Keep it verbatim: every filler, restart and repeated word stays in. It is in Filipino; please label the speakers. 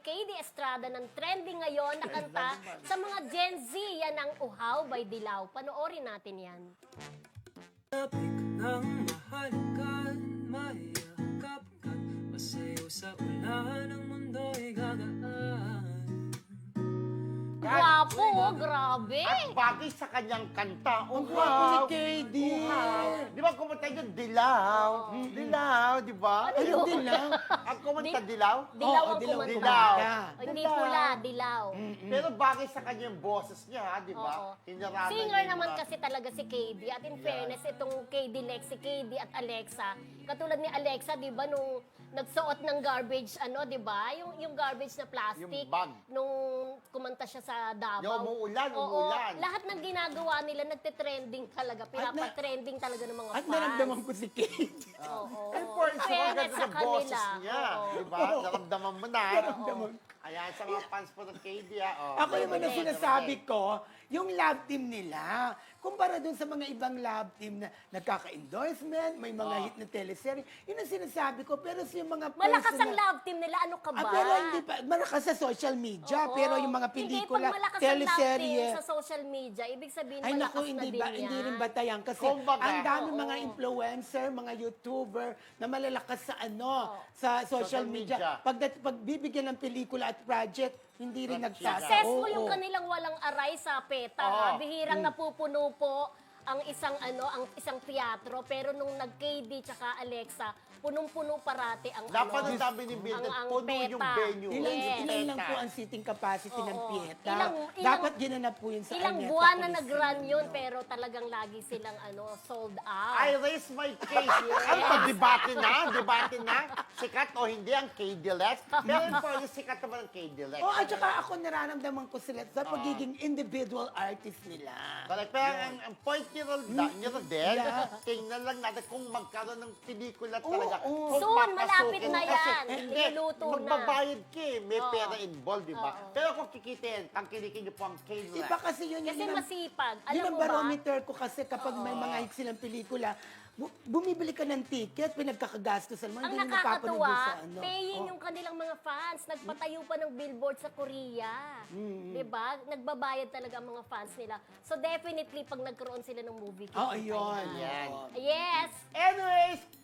Speaker 1: K D Estrada ng trending ngayon na kanta sa mga Gen Z. Yan ang Uhaw by Dilaw. Panoorin natin yan.
Speaker 2: Tapik ng mahalikan, mayakap ka, masayaw sa ulan, ang mundo'y gagaan.
Speaker 1: Gwapo, oh, grabe.
Speaker 3: At bagay sa kanyang kanta.
Speaker 4: Ang gwapo ni K D.
Speaker 3: Di ba kumanta yun, Dilaw? Dilaw, di ba?
Speaker 1: Ano yun?
Speaker 4: Dilaw?
Speaker 3: Ang kumanta,
Speaker 1: Di-
Speaker 3: Dilaw?
Speaker 1: Dilaw
Speaker 4: Oo,
Speaker 1: ang
Speaker 4: dilaw,
Speaker 1: kumanta.
Speaker 3: dilaw.
Speaker 1: O, hindi pula, dilaw.
Speaker 3: Pero bagay sa kanyang boses niya, ha, di
Speaker 1: Oo.
Speaker 3: ba? Hinarada
Speaker 1: Singer
Speaker 3: niya yung
Speaker 1: naman
Speaker 3: mga-
Speaker 1: kasi talaga si K D. At in fairness, itong K D Lex, si K D at Alexa, katulad ni Alexa, di ba, nung nagsuot ng garbage, ano, di ba? Yung, yung garbage na plastic.
Speaker 3: Yung bag.
Speaker 1: Nung kumanta siya sa Davao.
Speaker 3: Yung umuulan,
Speaker 1: Oo,
Speaker 3: umuulan.
Speaker 1: lahat ng ginagawa nila, nagte-trending talaga. Pinapa-trending talaga ng mga
Speaker 4: At
Speaker 1: fans.
Speaker 4: naramdaman ko si K D.
Speaker 1: Oo.
Speaker 3: And for sa
Speaker 1: Fairness
Speaker 3: maganda
Speaker 1: sa
Speaker 3: ng boses
Speaker 1: kanila.
Speaker 3: niya,
Speaker 1: Oo.
Speaker 3: di ba? Naramdaman mo na.
Speaker 4: Naramdaman.
Speaker 3: Ayan, sa mga fans po ng K D, ah. Oh,
Speaker 4: Ako naman ang
Speaker 3: Meron din,
Speaker 4: sinasabi
Speaker 3: meron
Speaker 4: ko, yung love team nila, kumpara dun sa mga ibang love team na nagkaka-endorsement, may mga
Speaker 3: Oh.
Speaker 4: hit na teleserye, yun ang sinasabi ko. Pero sa yung mga
Speaker 1: Malakas ang
Speaker 4: personal-
Speaker 1: love team nila. Ano ka ba?
Speaker 4: Ah, pero hindi pa, malakas sa social media,
Speaker 1: Oo.
Speaker 4: pero yung mga pelikula,
Speaker 1: Hindi, pag malakas ang love
Speaker 4: teleserye,
Speaker 1: team sa social media, ibig sabihin
Speaker 4: ay
Speaker 1: malakas
Speaker 4: naku,
Speaker 1: na
Speaker 4: hindi
Speaker 1: din
Speaker 4: ba,
Speaker 1: yan.
Speaker 4: hindi rin batayan kasi
Speaker 3: Kumbaga,
Speaker 4: ang dami
Speaker 1: oo.
Speaker 4: mga influencer, mga YouTuber na malalakas sa ano,
Speaker 1: Oo.
Speaker 4: sa social,
Speaker 3: Social
Speaker 4: media.
Speaker 3: media.
Speaker 4: Pag pag bibigyan ng pelikula at project, hindi rin
Speaker 3: Project.
Speaker 4: nagtataon.
Speaker 1: Successful yung kanilang walang aray sa PETA.
Speaker 3: Oo.
Speaker 1: ha? Bihirang napupuno po ang isang ano, ang isang teatro, pero nung nag-K D tsaka Alexa, punong-puno parati ang
Speaker 3: Dapat
Speaker 1: ano,
Speaker 3: ang sabi ni Mildred,
Speaker 1: ang- ang
Speaker 3: puno yung
Speaker 1: PETA.
Speaker 3: venue.
Speaker 4: Ilan,
Speaker 1: Yes.
Speaker 4: ilan lang
Speaker 3: Teka.
Speaker 4: po ang seating capacity ng
Speaker 1: Oo.
Speaker 4: Pieta.
Speaker 1: Ilang- ilang-
Speaker 4: Dapat ginanap po yun sa
Speaker 1: Ilang
Speaker 4: Araneta
Speaker 1: buwan na
Speaker 4: Coliseum.
Speaker 1: nag-run yun, pero talagang lagi silang ano, sold out.
Speaker 3: I raise my case. Ano pa, debate na? Debate na? Sikat o hindi ang K D Lex? Pero in fairness, sikat naman ang K D Lex.
Speaker 4: Oh, at saka ako nararamdaman ko sila sa pagiging individual artist nila.
Speaker 3: Correct. Pero ang, ang point ni Rolda, ni Rodel,
Speaker 4: Yeah.
Speaker 3: tingnan lang natin kung magkaroon ng pelikula talaga.
Speaker 4: oo.
Speaker 3: Kung
Speaker 1: Soon,
Speaker 3: papasukin.
Speaker 1: malapit na
Speaker 3: Kasi,
Speaker 1: yan.
Speaker 3: Hindi,
Speaker 1: Niluluto na.
Speaker 3: magbabayad ka eh. May
Speaker 1: Oo.
Speaker 3: pera involved, di ba?
Speaker 1: Oo.
Speaker 3: Pero kung kikitin, tangkilikin niyo po ang K D Lex.
Speaker 4: Iba kasi yun,
Speaker 1: Kasi
Speaker 4: yun ang-
Speaker 1: masipag.
Speaker 4: Yun
Speaker 1: Alam
Speaker 4: ang
Speaker 1: mo ba?
Speaker 4: barometer ko kasi kapag may mga hit silang pelikula, bu- bumibili ka ng ticket, pinagkakagastosan mo,
Speaker 1: Ang
Speaker 4: hindi mo napapanood
Speaker 1: nakakatuwa,
Speaker 4: dun sa ano.
Speaker 1: paying
Speaker 4: Oh.
Speaker 1: yung kanilang mga fans. Nagpatayo pa ng billboard sa Korea. Di ba? Nagbabayad talaga ang mga fans nila. So definitely, pag nagkaroon sila ng movie,
Speaker 4: Oh,
Speaker 1: kikita
Speaker 4: ayun.
Speaker 1: yan.
Speaker 3: Yan.
Speaker 4: Oo.
Speaker 1: Yes!
Speaker 3: Anyways,